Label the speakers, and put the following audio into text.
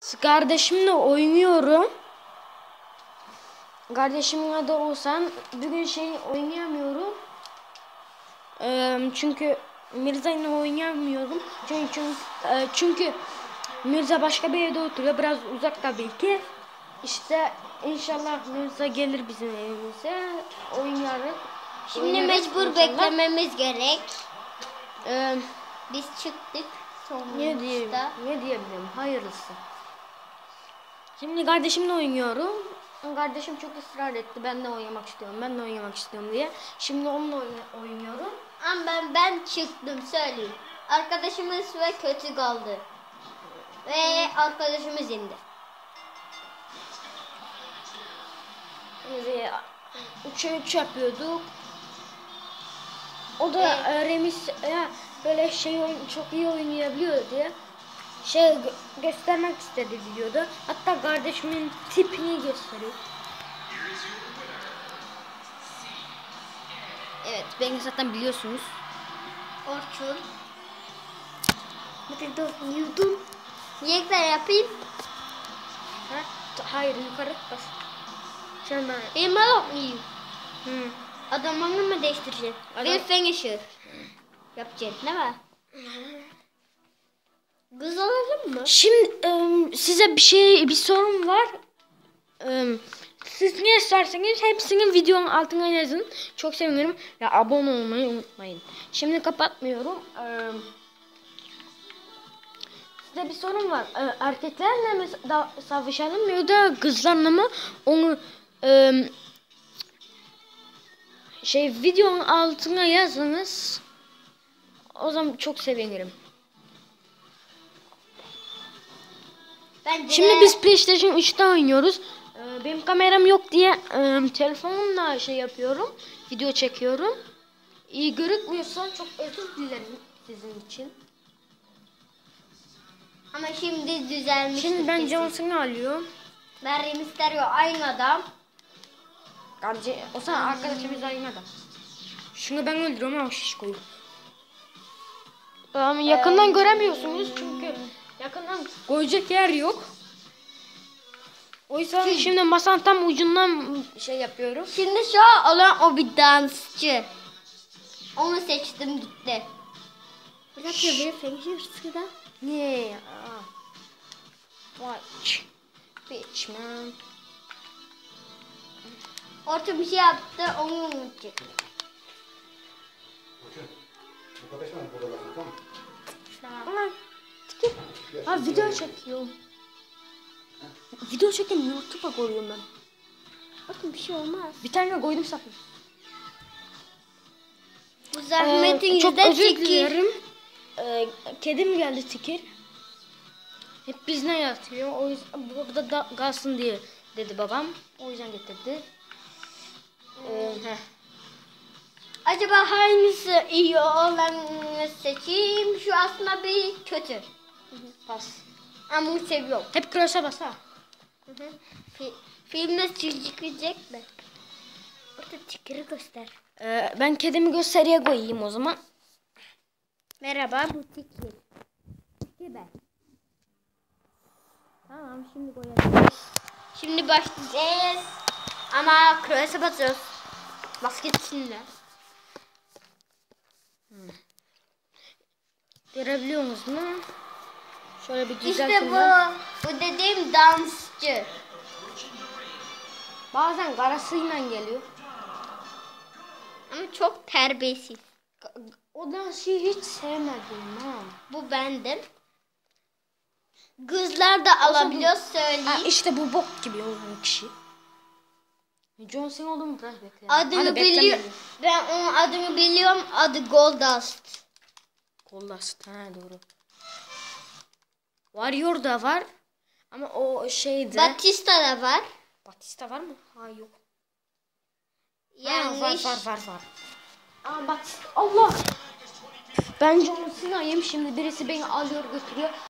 Speaker 1: Kardeşimle oynuyorum. Kardeşimle de olsan bugün oynayamıyorum. Çünkü Mirza ile oynayamıyorum. Çünkü Mirza başka bir evde oturuyor. Biraz uzak tabii ki. İşte inşallah Mirza gelir bizim evimize. Oynarız.
Speaker 2: Şimdi mecbur beklememiz gerek. Biz çıktık.
Speaker 1: Ne diyebilirim? Hayırlısı. Şimdi kardeşimle oynuyorum. Kardeşim çok ısrar etti. Ben de oynamak istiyorum diye. Şimdi onunla oynuyorum.
Speaker 2: Ama ben çıktım söyleyeyim. Arkadaşımız ve kötü kaldı. Ve arkadaşımız indi.
Speaker 1: 3'e 3 yapıyorduk. O da Remis böyle çok iyi oynayabiliyor diye göstermek istedi videoda. Hatta kardeşimin tipini gösteriyor. Evet, beni zaten biliyorsunuz.
Speaker 2: Orçun.
Speaker 1: Yudum.
Speaker 2: Yekler yapayım.
Speaker 1: Hayır, yukarı bas. Sen ben.
Speaker 2: Benim alıp mıyım? Adamını mı değiştireceksin? Bir finisher. Yapacaksın değil mi? Kız alalım mı?
Speaker 1: Şimdi size bir sorum var. Siz ne isterseniz hepsinin videonun altına yazın. Çok sevinirim. Ya abone olmayı unutmayın. Şimdi kapatmıyorum. Size bir sorum var. Erkeklerle mi savaşalım ya da kızlarla mı? Onu videonun altına yazınız. O zaman çok sevinirim. Şimdi biz PlayStation 3'te oynuyoruz. Benim kameram yok diye telefonumla yapıyorum. Video çekiyorum. İyi görükmüyorsa çok özür dilerim sizin için.
Speaker 2: Ama şimdi düzelmiş.
Speaker 1: Şimdi ben Johnson'u alıyorum.
Speaker 2: Ben Mysterio aynı adam.
Speaker 1: O zaman arkadaşımız aynı adam. Şunu ben öldürüyorum ama şişkoyu. Yakından göremiyorsunuz çünkü yakından koyacak yer yok. O yüzden şimdi masanın tam ucundan yapıyorum.
Speaker 2: Şimdi şu olan o bir dansçı. Onu seçtim gitti.
Speaker 1: Niye? Watch. Bitch man.
Speaker 2: Orta bir şey yaptı onu unutacak.
Speaker 1: Video çekiyorum. Video çekim YouTube'a koyuyorum ben.
Speaker 2: Bakın bir şey olmaz.
Speaker 1: Bir tane koydum sakın.
Speaker 2: Bu zahmetin
Speaker 1: çok özür dilerim. Kedim geldi tikir. Hep bizden yatıyor. O yüzden burada da kalsın diye dedi babam. O yüzden getirdi.
Speaker 2: Acaba hangisi iyi olanı seçeyim? Şu aslında bir kötü.
Speaker 1: Pas.
Speaker 2: Ama bunu seviyorum.
Speaker 1: Hep cross'a bas ha.
Speaker 2: Filmde çıkacak mı? Orada tikiri göster.
Speaker 1: Ben kedimi gösteriye koyayım o zaman.
Speaker 2: Merhaba bu tikir.
Speaker 1: Tikir ben. Tamam şimdi koyacağız.
Speaker 2: Şimdi başlayacağız. Ama cross'a basıyoruz. Basketçinle.
Speaker 1: Görebiliyor musunuz? Şöyle bir güzel.
Speaker 2: İşte bu dediğim dansçı.
Speaker 1: Bazen karasıyla geliyor.
Speaker 2: Ama çok terbiyesiz.
Speaker 1: O dansı hiç sevmedim ha.
Speaker 2: Bu bendim. Kızlar da alabiliyor söyleyeyim.
Speaker 1: İşte bu bok gibi olan kişi. John Cena olduğumu biraz bekle.
Speaker 2: Adını biliyorum. Ben onun adını biliyorum. Adı Goldust.
Speaker 1: Goldust doğru. Warrior da var. Ama o
Speaker 2: Batista da var.
Speaker 1: Batista var mı? Ha yok.
Speaker 2: Yanlış.
Speaker 1: Var. Batista. Allah. Ben John Cena'yım. Şimdi birisi beni alıyor götürüyor.